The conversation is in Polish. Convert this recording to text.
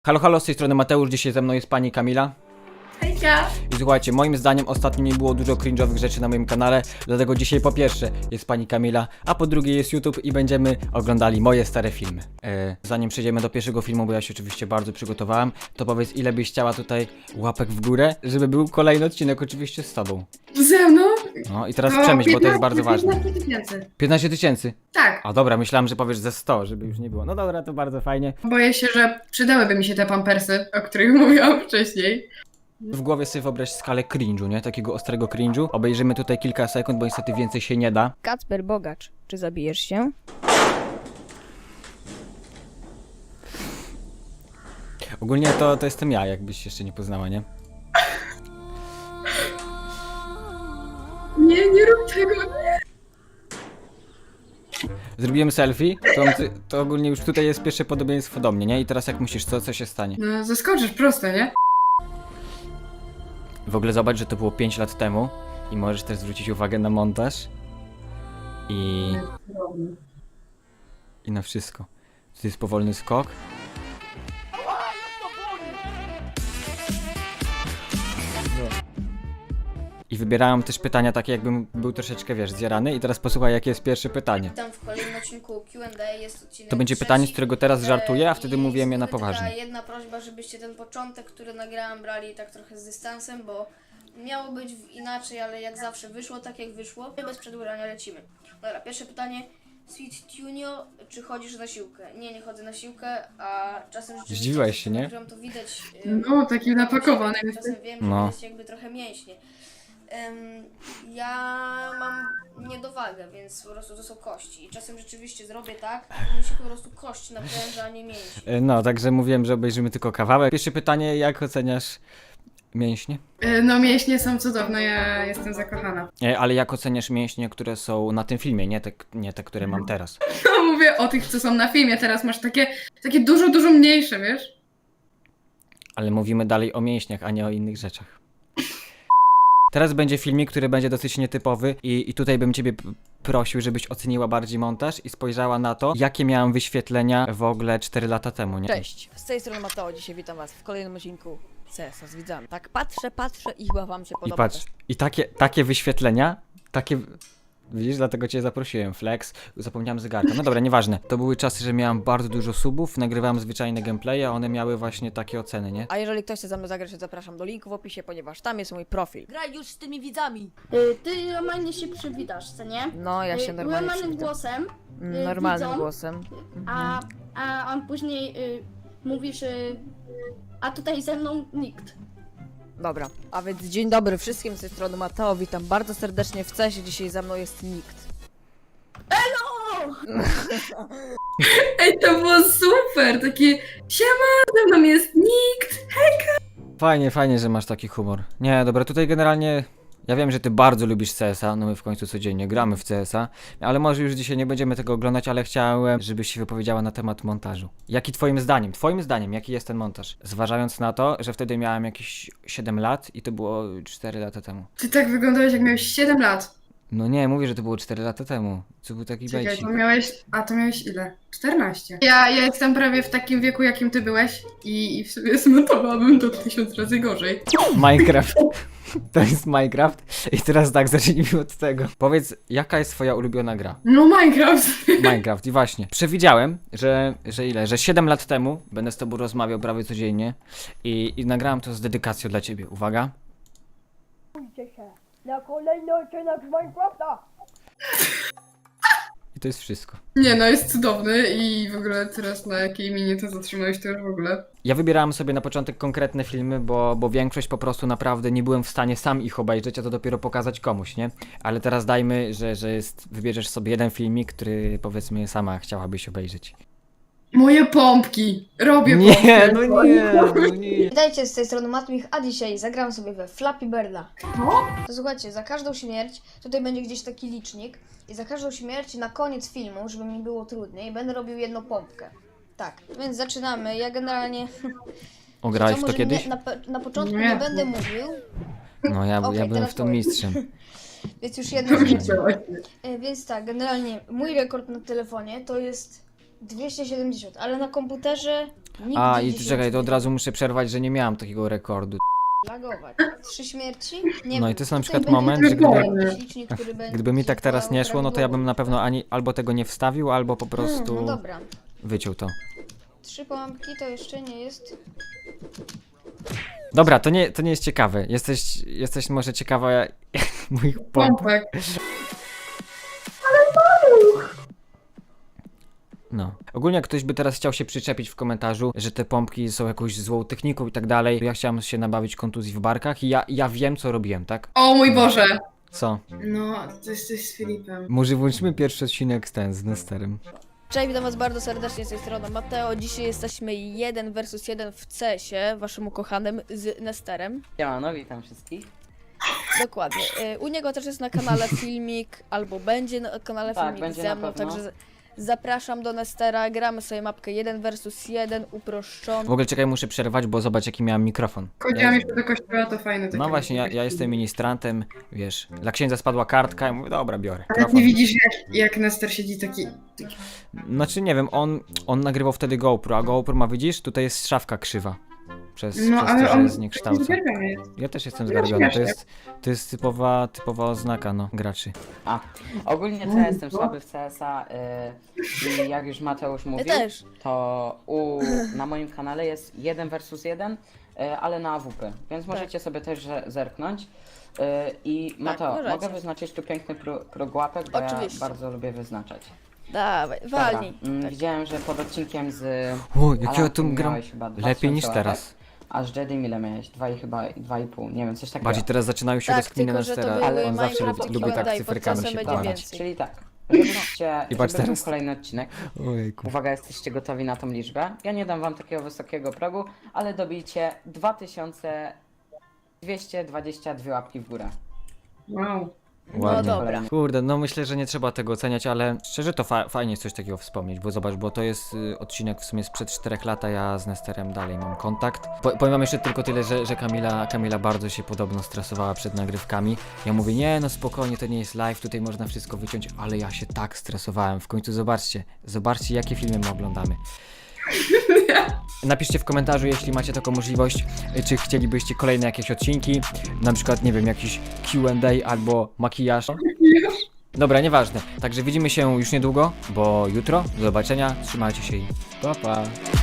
Halo, halo, z tej strony Mateusz, dzisiaj ze mną jest pani Kamila. Hejka! I słuchajcie, moim zdaniem ostatnio nie było dużo cringe'owych rzeczy na moim kanale, dlatego dzisiaj po pierwsze jest pani Kamila, a po drugie jest YouTube i będziemy oglądali moje stare filmy. Zanim przejdziemy do pierwszego filmu, bo ja się oczywiście bardzo przygotowałem, to powiedz, ile byś chciała tutaj łapek w górę, żeby był kolejny odcinek oczywiście z tobą. Ze mną? No i teraz przemyśl, bo to jest bardzo ważne. 15 tysięcy. 15 tysięcy? Tak. A dobra, myślałem, że powiesz ze 100, żeby już nie było. No dobra, to bardzo fajnie. Boję się, że przydałyby mi się te pampersy, o których mówiłam wcześniej. W głowie sobie wyobraź skalę cringe'u, nie? Takiego ostrego cringe'u. Obejrzymy tutaj kilka sekund, bo niestety więcej się nie da. Kacper Bogacz, czy zabijesz się? Ogólnie to jestem ja, jakbyś jeszcze nie poznała, nie? Nie rób tego. Zrobiłem selfie, to ogólnie już tutaj jest pierwsze podobieństwo do mnie, nie? I teraz jak myślisz, co się stanie? No zaskoczysz prosto, nie? W ogóle zobacz, że to było 5 lat temu i możesz też zwrócić uwagę na montaż i na wszystko. To jest powolny skok. I wybierałem też pytania takie, jakbym był troszeczkę, wiesz, zjarany. I teraz posłuchaj, jakie jest pierwsze pytanie. Witam w kolejnym odcinku Q&A, jest odcinek To będzie trzeci. pytanie, z którego teraz żartuję, a wtedy I mówiłem je na tylko poważnie. taka jedna prośba, żebyście ten początek, który nagrałam, brali tak trochę z dystansem, bo miało być inaczej, ale jak zawsze wyszło tak jak wyszło. Bez przedłużania lecimy. Dobra, pierwsze pytanie. Sweet Tunio, czy chodzisz na siłkę? Nie chodzę na siłkę, a czasem rzeczywiście... Zdziwiłaś się, nie? To widać... No, taki napakowany jesteś. Czasem wiem, że No. to jest jakby trochę mięśnie. Ja mam niedowagę, więc po prostu to są kości. I czasem rzeczywiście zrobię tak, że mi się po prostu kość napręża, a nie mięśnie. No, także mówiłem, że obejrzymy tylko kawałek. Pierwsze pytanie, jak oceniasz mięśnie? No mięśnie są cudowne, ja jestem zakochana. Ale jak oceniasz mięśnie, które są na tym filmie, nie te, które mam teraz? No mówię o tych, co są na filmie, teraz masz takie dużo mniejsze, wiesz? Ale mówimy dalej o mięśniach, a nie o innych rzeczach. Teraz będzie filmik, który będzie dosyć nietypowy i tutaj bym ciebie prosił, żebyś oceniła bardziej montaż i spojrzała na to, jakie miałem wyświetlenia w ogóle 4 lata temu, nie? Cześć, z tej strony Mateo, dzisiaj witam was w kolejnym odcinku CS z widzami. Tak patrzę i chyba wam się I podoba. patrz, i takie wyświetlenia, widzisz, dlatego cię zaprosiłem, flex, zapomniałem zegarka, no dobra, nieważne. To były czasy, że miałem bardzo dużo subów, nagrywałem zwyczajne gameplaye, a one miały właśnie takie oceny, nie? A jeżeli ktoś chce ze mną zagrać, to zapraszam do linku w opisie, ponieważ tam jest mój profil. Graj już z tymi widzami. Ty normalnie się przywitasz, co nie? No, ja się normalnie Normalnym przywitam. głosem, Normalnym widzom, głosem. a on później mówisz, a tutaj ze mną nikt. Dobra, a więc dzień dobry wszystkim, z tej strony Mateo, witam bardzo serdecznie w CS-ie, dzisiaj ze mną jest nikt. Ej, to było super, takie siema, ze mną jest nikt. Fajnie, że masz taki humor. Nie, dobra, tutaj generalnie ja wiem, że ty bardzo lubisz CS-a, no my w końcu codziennie gramy w CS-a, ale może już dzisiaj nie będziemy tego oglądać, ale chciałem, żebyś się wypowiedziała na temat montażu. Jaki twoim zdaniem, jaki jest ten montaż? Zważając na to, że wtedy miałem jakieś 7 lat i to było 4 lata temu. Ty tak wyglądałeś, jak miałeś 7 lat. No nie, mówię, że to było 4 lata temu. Co był taki Czekaj, bejcik. to miałeś ile? 14. Ja jestem prawie w takim wieku, jakim ty byłeś i w sobie zmontowałabym to 1000 razy gorzej. Minecraft. To jest Minecraft. I teraz tak, zacznijmy od tego. Powiedz, jaka jest twoja ulubiona gra? No Minecraft. Minecraft i właśnie. Przewidziałem, że 7 lat temu będę z tobą rozmawiał prawie codziennie i nagrałem to z dedykacją dla ciebie. Uwaga. Na kolejny odcinek z Minecrafta. I to jest wszystko. Nie no, jest cudowny i w ogóle teraz na jakiej minie to zatrzymałeś to już w ogóle. Ja wybierałem sobie na początek konkretne filmy, bo większość po prostu naprawdę nie byłem w stanie sam ich obejrzeć, a to dopiero pokazać komuś, nie? Ale teraz dajmy, wybierzesz sobie jeden filmik, który powiedzmy sama chciałabyś obejrzeć. Moje pompki! Robię Nie, pompki! no nie. Witajcie, z tej strony Matmich, a dzisiaj zagram sobie we Flappy Birda. Co? To słuchajcie, za każdą śmierć, tutaj będzie gdzieś taki licznik i za każdą śmierć na koniec filmu, żeby mi było trudniej, będę robił jedną pompkę. Tak, więc zaczynamy. Ja generalnie... Ograłeś Co, w to może kiedyś? Na początku Nie. nie będę mówił, No ja Okej, byłem teraz w to powiem. mistrzem. więc już jedną śmierć. Widziałaś. Więc tak, generalnie mój rekord na telefonie to jest 270, ale na komputerze Nigdy A, i 10 czekaj, to od razu muszę przerwać, że nie miałem takiego rekordu. Lagować. 3 śmierci? Nie No wiem. i to jest na Tutaj przykład będzie moment, że Dokładnie. licznik, który będzie gdyby mi tak teraz nie szło, no to ja bym na pewno prawidłowo. albo tego nie wstawił, albo po No prostu dobra. wyciął to. 3 połamki to jeszcze nie jest... Dobra, to nie jest ciekawe. Jesteś może ciekawa moich pomp. Pompek. No. Ogólnie jak ktoś by teraz chciał się przyczepić w komentarzu, że te pompki są jakąś złą techniką i tak dalej, to ja chciałem się nabawić kontuzji w barkach i ja wiem co robiłem, tak? O mój Boże. Co? No, to jesteś z Filipem. Może włączymy pierwszy odcinek z Nesterem. Cześć, witam was bardzo serdecznie z tej strony Mateo. Dzisiaj jesteśmy 1 versus 1 w CS-ie, waszym ukochanym z Nesterem. Siemano, witam wszystkich. Dokładnie. U niego też jest na kanale filmik, albo będzie na kanale Tak, filmik będzie ze na mną, pewno. także zapraszam do Nestera, gramy sobie mapkę 1 versus 1, uproszczony. W ogóle czekaj, muszę przerwać, bo zobacz jaki miałem mikrofon. Chodziłam jeszcze do kościoła, to fajne. takie No właśnie, ja mikrofony. jestem ministrantem, wiesz, dla księdza spadła kartka i mówię, dobra, biorę. Ale Mikrofon. nie widzisz, jak Nestor siedzi taki... Znaczy nie wiem, on nagrywał wtedy GoPro, a GoPro ma, widzisz, tutaj jest szafka krzywa. Przez No, to, ale że on jest zniekształcony. zgarbiony jest. Ja też jestem No, zgarbiony, śmiesznie. to jest typowa oznaka, no, graczy. Ogólnie to ja jestem słaby w CS-a i jak już Mateusz Ja mówił, też. to na moim kanale jest 1 versus 1, ale na AWP, więc możecie sobie też zerknąć. I Mateo, możecie. mogę wyznaczyć tu piękny próg łapek, bo Oczywiście. ja bardzo lubię wyznaczać. Dawaj, Dobra, walnij. widziałem, że pod odcinkiem z O, jak ja Alankiem tu gram miałeś chyba lepiej niż 2000 teraz. łapek, a z Jedim ile miałeś? 2,5, nie wiem, coś takiego. Bardziej teraz zaczynają się Tak, rozkminy tylko że to Nestera, były ale on zawsze Minecraft lubi Q&A, tak pod cyferkami czasem się będzie bawić. więcej. Czyli tak, żebyście, I patrz żeby teraz. był kolejny odcinek. Ojejku. Uwaga, jesteście gotowi na tą liczbę. Ja nie dam wam takiego wysokiego progu, ale dobijcie 2222 łapki w górę. Wow. Ładnie. No dobra. Kurde, no myślę, że nie trzeba tego oceniać, ale szczerze to fajnie jest coś takiego wspomnieć, bo zobacz, bo to jest odcinek w sumie sprzed 4 lat, a ja z Nesterem dalej mam kontakt. Powiem wam jeszcze tylko tyle, że Kamila bardzo się podobno stresowała przed nagrywkami. Ja mówię, nie no spokojnie, to nie jest live, tutaj można wszystko wyciąć, ale ja się tak stresowałem. W końcu zobaczcie jakie filmy my oglądamy. Napiszcie w komentarzu, jeśli macie taką możliwość, czy chcielibyście kolejne jakieś odcinki, na przykład, nie wiem, jakiś Q&A albo makijaż. Dobra, nieważne. Także widzimy się już niedługo, bo jutro. Do zobaczenia, trzymajcie się i pa pa.